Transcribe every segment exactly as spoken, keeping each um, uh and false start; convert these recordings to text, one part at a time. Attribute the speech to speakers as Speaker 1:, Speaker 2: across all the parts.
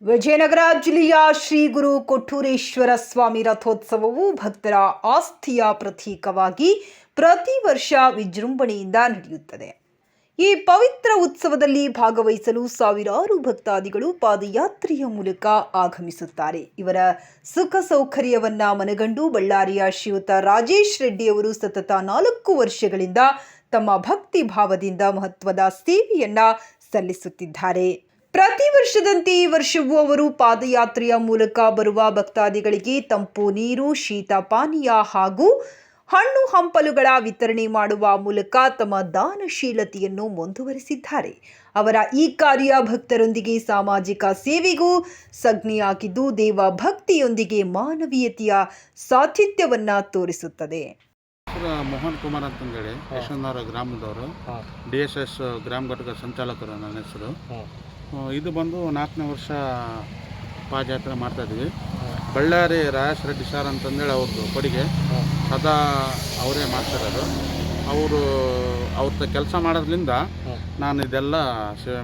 Speaker 1: ವಿಜಯನಗರ ಜಿಲ್ಲೆಯ ಶ್ರೀ ಗುರು ಕೊಟ್ಟೂರೇಶ್ವರ ಸ್ವಾಮಿ ರಥೋತ್ಸವವು ಭಕ್ತರ ಆಸ್ಥೆಯ ಪ್ರತೀಕವಾಗಿ ಪ್ರತಿ ವರ್ಷ ವಿಜೃಂಭಣೆಯಿಂದ ನಡೆಯುತ್ತದೆ. ಈ ಪವಿತ್ರ ಉತ್ಸವದಲ್ಲಿ ಭಾಗವಹಿಸಲು ಸಾವಿರಾರು ಭಕ್ತಾದಿಗಳು ಪಾದಯಾತ್ರೆಯ ಮೂಲಕ ಆಗಮಿಸುತ್ತಾರೆ. ಇವರ ಸುಖ ಸೌಕರ್ಯವನ್ನ ಮನಗಂಡು ಬಳ್ಳಾರಿಯ ಶ್ರೀಯುತ ರಾಜೇಶ್ ರೆಡ್ಡಿಯವರು ಸತತ ನಾಲ್ಕು ವರ್ಷಗಳಿಂದ ತಮ್ಮ ಭಕ್ತಿ ಭಾವದಿಂದ ಮಹತ್ವದ ಸೇವೆಯನ್ನ ಸಲ್ಲಿಸುತ್ತಿದ್ದಾರೆ. ಪ್ರತಿ ವರ್ಷದಂತೆ ಈ ವರ್ಷವೂ ಅವರು ಪಾದಯಾತ್ರೆಯ ಮೂಲಕ ಬರುವ ಭಕ್ತಾದಿಗಳಿಗೆ ತಂಪು ನೀರು, ಶೀತ ಪಾನೀಯ ಹಾಗೂ ಹಣ್ಣು ಹಂಪಲುಗಳ ವಿತರಣೆ ಮಾಡುವ ಮೂಲಕ ತಮ್ಮ ದಾನಶೀಲತೆಯನ್ನು ಮುಂದುವರೆಸಿದ್ದಾರೆ. ಅವರ ಈ ಕಾರ್ಯ ಭಕ್ತರೊಂದಿಗೆ ಸಾಮಾಜಿಕ ಸೇವೆಗೂ ಸಂಜ್ಞೆಯಾಗಿದ್ದು ದೇವ ಭಕ್ತಿಯೊಂದಿಗೆ ಮಾನವೀಯತೆಯ ಸಾಹಿತ್ಯವನ್ನ ತೋರಿಸುತ್ತದೆ.
Speaker 2: ಮೋಹನ್ ಕುಮಾರ್ ಅಂತಂದೇಳಿ ಯಶವಂತನಗರ ಗ್ರಾಮದವರು, ಡಿ ಎಸ್ ಎಸ್ ಗ್ರಾಮ ಘಟಕ ಸಂಚಾಲಕರು ನನ್ನ ಹೆಸರು. ಇದು ಬಂದು ನಾಲ್ಕನೇ ವರ್ಷ ಪಾದಯಾತ್ರೆ ಮಾಡ್ತಾಯಿದ್ವಿ. ಬಳ್ಳಾರಿ ರಾಜೇಶ್ ರೆಡ್ಡಿ ಸರ್ ಅಂತಂದೇಳಿ ಅವ್ರದ್ದು ಕೊಡುಗೆ ಸದಾ ಅವರೇ ಮಾಡ್ತಿರೋದು. ಅವರು ಅವ್ರ ಕೆಲಸ ಮಾಡೋದ್ರಿಂದ ನಾನು ಇದೆಲ್ಲ ಸೇವೆ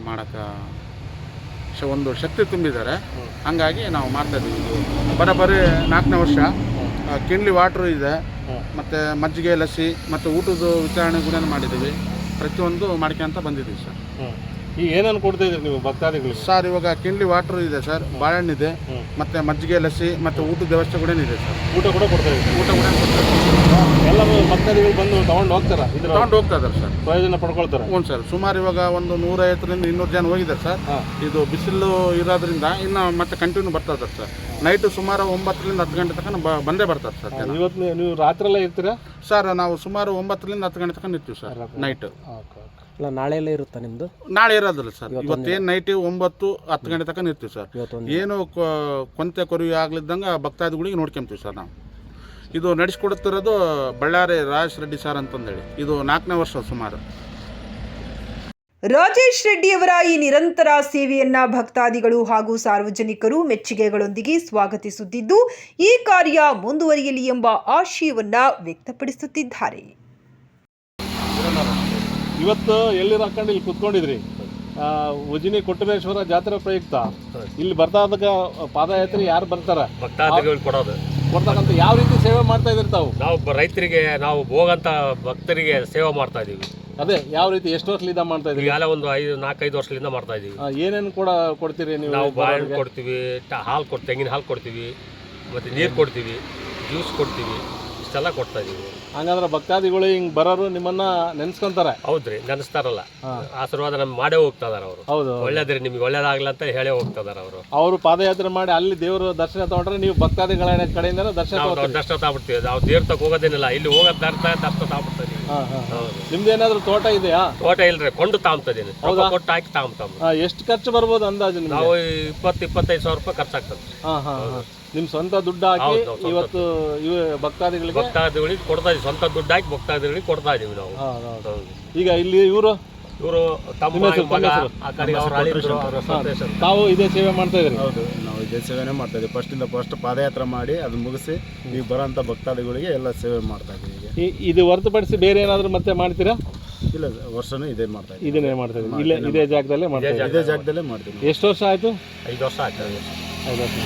Speaker 2: ಮಾಡೋಕ್ಕೆ ಒಂದು ಶಕ್ತಿ ತುಂಬಿದ್ದಾರೆ. ಹಂಗಾಗಿ ನಾವು ಮಾಡ್ತಾಯಿದ್ದೀವಿ. ಬರೋಬ್ಬರಿ ನಾಲ್ಕನೇ ವರ್ಷ. ಕಿನ್ಲಿ ವಾಟ್ರು ಇದೆ, ಮತ್ತು ಮಜ್ಜಿಗೆ, ಲಸ್ಸಿ ಮತ್ತು ಊಟದ ವಿತರಣೆ ಕೂಡ ಮಾಡಿದ್ದೀವಿ. ಪ್ರತಿಯೊಂದು ಮಾಡ್ಕೊಂತ ಬಂದಿದ್ದೀವಿ ಸರ್.
Speaker 3: ಈಗ ಏನನ್ನು ಕೊಡ್ತಾ ಇದ್ದೀರಿ ನೀವು ಭಕ್ತಾದಿಗಳು?
Speaker 2: ಸರ್ ಇವಾಗ ಕಿನ್ಲಿ ವಾಟ್ರು ಇದೆ ಸರ್, ಬಾಳೆಹಣ್ಣಿದೆ, ಮತ್ತು ಮಜ್ಜಿಗೆ, ಲಸ್ಸಿ ಮತ್ತು ಊಟದ ವ್ಯವಸ್ಥೆ ಕೂಡ ಇದೆ ಸರ್.
Speaker 3: ಊಟ ಕೂಡ ಕೊಡ್ತಾ ಇದ್ದೀವಿ.
Speaker 2: ಊಟ ಕೂಡ ಕೊಡ್ತಾರೆ.
Speaker 3: ಎಲ್ಲ ಭಕ್ತಾದಿಗಳು ಬಂದು ತೊಗೊಂಡು ಹೋಗ್ತಾರೆ, ಇದ್ರ
Speaker 2: ತೊಗೊಂಡು ಹೋಗ್ತಾ ಇದ್ದಾರೆ ಸರ್,
Speaker 3: ಪ್ರಯೋಜನ ಪಡ್ಕೊಳ್ತಾರೆ.
Speaker 2: ಹ್ಞೂ ಸರ್. ಸುಮಾರು ಇವಾಗ ಒಂದು ನೂರೈವತ್ತರಿಂದ ಇನ್ನೂರು ಜನ ಹೋಗಿದ್ದಾರೆ ಸರ್. ಇದು ಬಿಸಿಲು ಇರೋದ್ರಿಂದ ಇನ್ನು ಮತ್ತೆ ಕಂಟಿನ್ಯೂ ಬರ್ತಾ ಇದ್ದಾರೆ ಸರ್. ನೈಟು ಸುಮಾರು ಒಂಬತ್ತರಿಂದ ಹತ್ತು ಗಂಟೆ ತನಕ ಬಂದೇ ಬರ್ತಾರೆ ಸರ್.
Speaker 3: ಇವತ್ತು ನೀವು ರಾತ್ರಿ ಎಲ್ಲ ಇರ್ತೀರಾ
Speaker 2: ಸರ್? ನಾವು ಸುಮಾರು ಒಂಬತ್ತರಿಂದ ಹತ್ತು ಗಂಟೆ ತನಕ ಇರ್ತೀವಿ ಸರ್ ನೈಟ್.
Speaker 4: ಇಲ್ಲ, ನಾಳೆ ಎಲ್ಲ ಇರುತ್ತಾ ನಿಮ್ಮದು?
Speaker 2: ನಾಳೆ ಇರೋದಿಲ್ಲ ಸರ್. ಇವತ್ತೇನು ನೈಟ್ ಒಂಬತ್ತು ಹತ್ತು ಗಂಟೆ ತನಕ ಇರ್ತೀವಿ ಸರ್. ಏನು ಕೊಂತೆ ಕೊರವಿ ಆಗ್ಲಿದ್ದಂಗೆ ಭಕ್ತಾದಿಗಳಿಗೆ ನೋಡ್ಕೊಂತೀವಿ ಸರ್ ನಾವು. ಇದು ನಡೆಸ್ಕೊಡುತ್ತಿರೋದು ಬಳ್ಳಾರಿ ರಾಜೇಶ್ ರೆಡ್ಡಿ ಸರ್ ಅಂತಂದೇಳಿ. ಇದು ನಾಲ್ಕನೇ ವರ್ಷ ಸುಮಾರು.
Speaker 1: ರಾಜೇಶ್ ರೆಡ್ಡಿಯವರ ಈ ನಿರಂತರ ಸೇವೆಯನ್ನ ಭಕ್ತಾದಿಗಳು ಹಾಗೂ ಸಾರ್ವಜನಿಕರು ಮೆಚ್ಚುಗೆಗಳೊಂದಿಗೆ ಸ್ವಾಗತಿಸುತ್ತಿದ್ದು ಈ ಕಾರ್ಯ ಮುಂದುವರಿಯಲಿ ಎಂಬ ಆಶಯವನ್ನ ವ್ಯಕ್ತಪಡಿಸುತ್ತಿದ್ದಾರೆ.
Speaker 3: ಇವತ್ತು ಎಲ್ಲಿ ಹಾಕೊಂಡು ಇಲ್ಲಿ ಕುತ್ಕೊಂಡಿದ್ರಿ, ಉಜಿನಿ ಕೊಟ್ಟೂರೇಶ್ವರ ಜಾತ್ರೆ ಪ್ರಯುಕ್ತ ಇಲ್ಲಿ ಬರ್ತಾ ಇದ್ದಾಗ ಪಾದಯಾತ್ರೆ ಯಾರು ಬರ್ತಾರ
Speaker 5: ಭಕ್ತಾದಿಗಳು ಕೊಡೋದು
Speaker 3: ಕೊಡ್ತಕ್ಕಂಥ ಯಾವ ರೀತಿ ಸೇವೆ ಮಾಡ್ತಾ ಇದ್ರಿ ತಾವು?
Speaker 5: ನಾವು ರೈತರಿಗೆ, ನಾವು ಹೋಗಂತ ಭಕ್ತರಿಗೆ ಸೇವೆ ಮಾಡ್ತಾ ಇದೀವಿ.
Speaker 3: ಅದೇ ಯಾವ ರೀತಿ ಎಷ್ಟು ವರ್ಷದಿಂದ ಮಾಡ್ತಾ ಇದ್ರಿ?
Speaker 5: ಎಲ್ಲ ಒಂದು ಐದು ನಾಲ್ಕೈದು ವರ್ಷದಿಂದ ಮಾಡ್ತಾ ಇದೀವಿ.
Speaker 3: ಏನೇನು ಕೂಡ ಕೊಡ್ತೀರಿ ನೀವು?
Speaker 5: ನಾವು ಬಾಳೆಹಣ್ಣು ಕೊಡ್ತೀವಿ, ಹಾಲು ಕೊಡ್ತೀವಿ, ತೆಂಗಿನ ಹಾಲು ಕೊಡ್ತೀವಿ, ಮತ್ತು ನೀರು ಕೊಡ್ತೀವಿ, ಜ್ಯೂಸ್ ಕೊಡ್ತೀವಿ, ಇಷ್ಟೆಲ್ಲ ಕೊಡ್ತಾ ಇದೀವಿ.
Speaker 3: ಹಂಗಂದ್ರೆ ಭಕ್ತಾದಿಗಳು ಹಿಂಗೆ ಬರೋರು ನಿಮ್ಮನ್ನ ನೆನ್ಸ್ಕೊಂತಾರೆ?
Speaker 5: ಹೌದ್ರಿ, ನೆನೆಸ್ತಾರಲ್ಲ. ಆಶೀರ್ವಾದ ನಮ್ಗೆ ಮಾಡೇ ಹೋಗ್ತಾ ಇದಾರೆ ಅವರು.
Speaker 3: ಹೌದು,
Speaker 5: ಒಳ್ಳೇದ್ರಿ, ನಿಮ್ಗೆ ಒಳ್ಳೇದಾಗ್ಲಿ ಅಂತ ಹೇಳೇ ಹೋಗ್ತಾ ಇದಾರೆ ಅವರು.
Speaker 3: ಅವರು ಪಾದಯಾತ್ರೆ ಮಾಡಿ ಅಲ್ಲಿ ದೇವರು ದರ್ಶನ ತಗೊಂಡ್ರೆ ನೀವು ಭಕ್ತಾದಿಗಳ ಕಡೆಯಿಂದ ದರ್ಶನ
Speaker 5: ದರ್ಶನ ತಗೊಬಿಡ್ತೀವಿ. ನಾವು ದೇವ್ರ ತಗ ಹೋಗೋದೇನಿಲ್ಲ, ಇಲ್ಲಿ ಹೋಗೋದು ದರ್ಶನ ದರ್ಶನ ತಗೊಬಿಡ್ತೀವಿ.
Speaker 3: ನಿಮ್ದು ಏನಾದ್ರು ತೋಟ ಇದೆಯಾ?
Speaker 5: ತೋಟ ಇಲ್ರಿ, ಕೊಂಡು ತಾಂಬತದೀನಿ. ಕೊಟ್ಟು ಹಾಕಿ ತಾಂಬ.
Speaker 3: ಎಷ್ಟು ಖರ್ಚು ಬರ್ಬೋದು ಅಂದಾಜು?
Speaker 5: ನಾವು ಇಪ್ಪತ್ತು ಇಪ್ಪತ್ತೈದು ಸಾವಿರ ರೂಪಾಯಿ ಖರ್ಚಾಗ್ತದೆ.
Speaker 3: ಹಾ ಹಾ ನಿಮ್ ಸ್ವಂತ ದುಡ್ಡು ಹಾಕಿ ಇವತ್ತು ಇವ ಭಕ್ತಾದಿಗಳಿಗೆ
Speaker 5: ಭಕ್ತಾದಿಗಳಿಗೆ ಕೊಡ್ತಾ ಇದೀವಿ. ಸ್ವಂತ ದುಡ್ಡು ಹಾಕಿ ಭಕ್ತಾದಿಗಳಿಗೆ ಕೊಡ್ತಾ ಇದೀವಿ ನಾವು.
Speaker 3: ಈಗ ಇಲ್ಲಿ ಇವರು
Speaker 5: ಇವರು
Speaker 3: ತಾವು ಇದೇ ಸೇವೆ ಮಾಡ್ತಾ ಇದ್ರಿ?
Speaker 2: ಹೌದು, ನಾವು ಇದೇ ಸೇವೆನೇ ಮಾಡ್ತಾ ಇದ್ದೀವಿ. ಫಸ್ಟಿಂದ ಫಸ್ಟ್ ಪಾದಯಾತ್ರೆ ಮಾಡಿ ಅದನ್ನ ಮುಗಿಸಿ ಈಗ ಬರೋಂಥ ಭಕ್ತಾದಿಗಳಿಗೆ ಎಲ್ಲ ಸೇವೆ ಮಾಡ್ತಾ ಇದ್ದೀವಿ.
Speaker 3: ಇದು ಹೊರತುಪಡಿಸಿ ಬೇರೆ ಏನಾದರೂ ಮತ್ತೆ ಮಾಡ್ತೀರಾ?
Speaker 2: ಇಲ್ಲ, ವರ್ಷನೂ ಇದೇ ಮಾಡ್ತಾ ಇದ್ದೀವಿ.
Speaker 3: ಇದನ್ನೇ ಮಾಡ್ತಾ ಇದ್ದೀವಿ. ಇಲ್ಲೇ ಇದೇ ಜಾಗದಲ್ಲೇ ಮಾಡ್ತಾ
Speaker 2: ಇದೇ ಜಾಗದಲ್ಲೇ ಮಾಡ್ತೀವಿ.
Speaker 3: ಎಷ್ಟು ವರ್ಷ ಆಯಿತು?
Speaker 5: ಐದು ವರ್ಷ ಆಗ್ತದೆ.
Speaker 3: ಐದು ವರ್ಷ.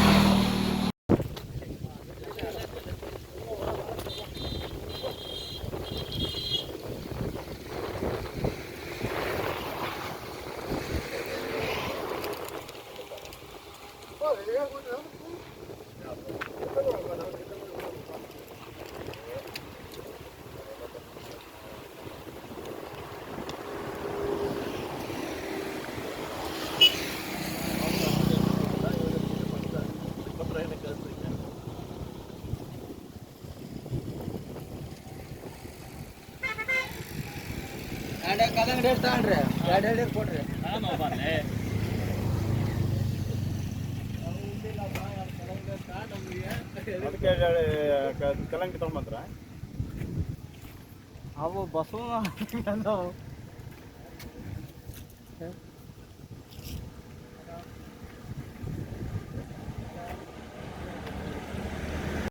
Speaker 4: ಕಲ್ಲಂಗಡಿ ಎಷ್ಟು ತಗೊಂಡ್ರಿ? ಎರಡು ಎರಡು ಕೊಡ್ರಿ.
Speaker 2: ಕಲ್ಲಂಗಡಿ ತಗೊಂಬಂದ್ರ
Speaker 4: ಅವು ಬಸವ